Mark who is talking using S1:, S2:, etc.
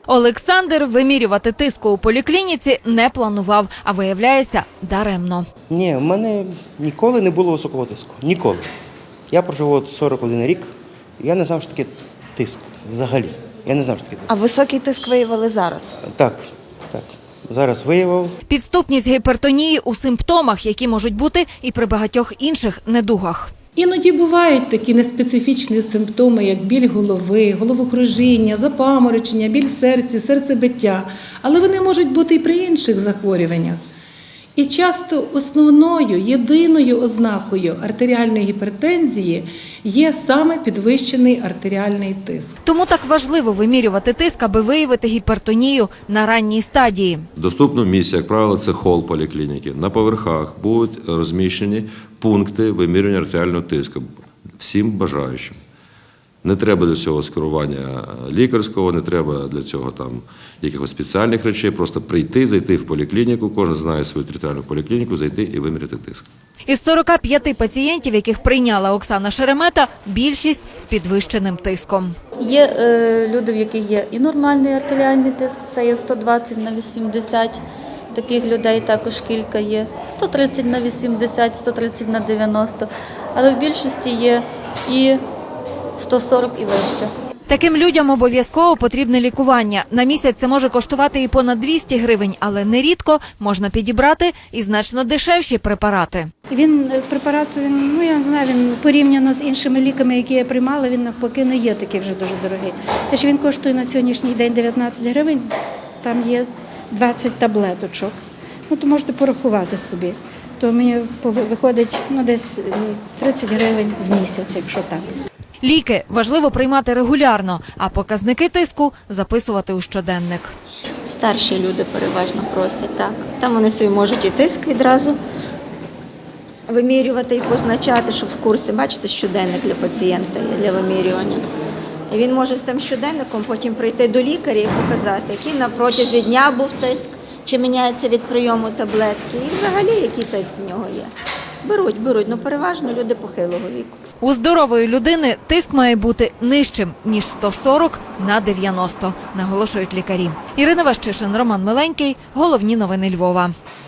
S1: Олександр вимірювати тиску у поліклініці не планував, а виявляється даремно.
S2: Ні, в мене ніколи не було високого тиску. Ніколи. Я прожив от 41 рік, я не знав, що таке тиск взагалі. Я не знав, що таке тиск.
S3: А високий тиск виявили зараз?
S2: Так. Зараз виявив.
S1: Підступність гіпертонії у симптомах, які можуть бути і при багатьох інших недугах.
S4: Іноді бувають такі неспецифічні симптоми, як біль голови, головокружіння, запаморочення, біль в серці, серцебиття. Але вони можуть бути і при інших захворюваннях. І часто основною, єдиною ознакою артеріальної гіпертензії є саме підвищений артеріальний тиск.
S1: Тому так важливо вимірювати тиск, аби виявити гіпертонію на ранній стадії.
S5: В доступному місці, як правило, це хол поліклініки. На поверхах будуть розміщені пункти вимірювання артеріального тиску всім бажаючим. Не треба для цього скерування лікарського, не треба для цього якихось спеціальних речей. Просто прийти, зайти в поліклініку, кожен знає свою територіальну поліклініку, зайти і виміряти тиск.
S1: Із 45 пацієнтів, яких прийняла Оксана Шеремета, більшість з підвищеним тиском.
S6: Є люди, в яких є і нормальний артеріальний тиск, це є 120 на 80, таких людей також кілька є, 130 на 80, 130 на 90, але в більшості є і 140 і вище.
S1: Таким людям обов'язково потрібне лікування. На місяць це може коштувати і понад 200 гривень, але нерідко можна підібрати і значно дешевші препарати.
S7: Препарат, я не знаю, він порівняно з іншими ліками, які я приймала, він навпаки не є такий вже дуже дорогий. Якщо він коштує на сьогоднішній день 19 гривень, там є 20 таблеточок. То можете порахувати собі. То мені виходить десь 30 гривень в місяць, якщо так.
S1: Ліки важливо приймати регулярно, а показники тиску записувати у щоденник.
S8: Старші люди переважно просять, так. Там вони собі можуть і тиск відразу вимірювати і позначати, щоб в курсі, бачите, щоденник для пацієнта є для вимірювання. І він може з тим щоденником потім прийти до лікаря і показати, який на протязі дня був тиск, чи міняється від прийому таблетки, і взагалі який тиск в нього є. Беруть, переважно люди похилого віку.
S1: У здорової людини тиск має бути нижчим, ніж 140 на 90, наголошують лікарі. Ірина Ващишин, Роман Миленький. Головні новини Львова.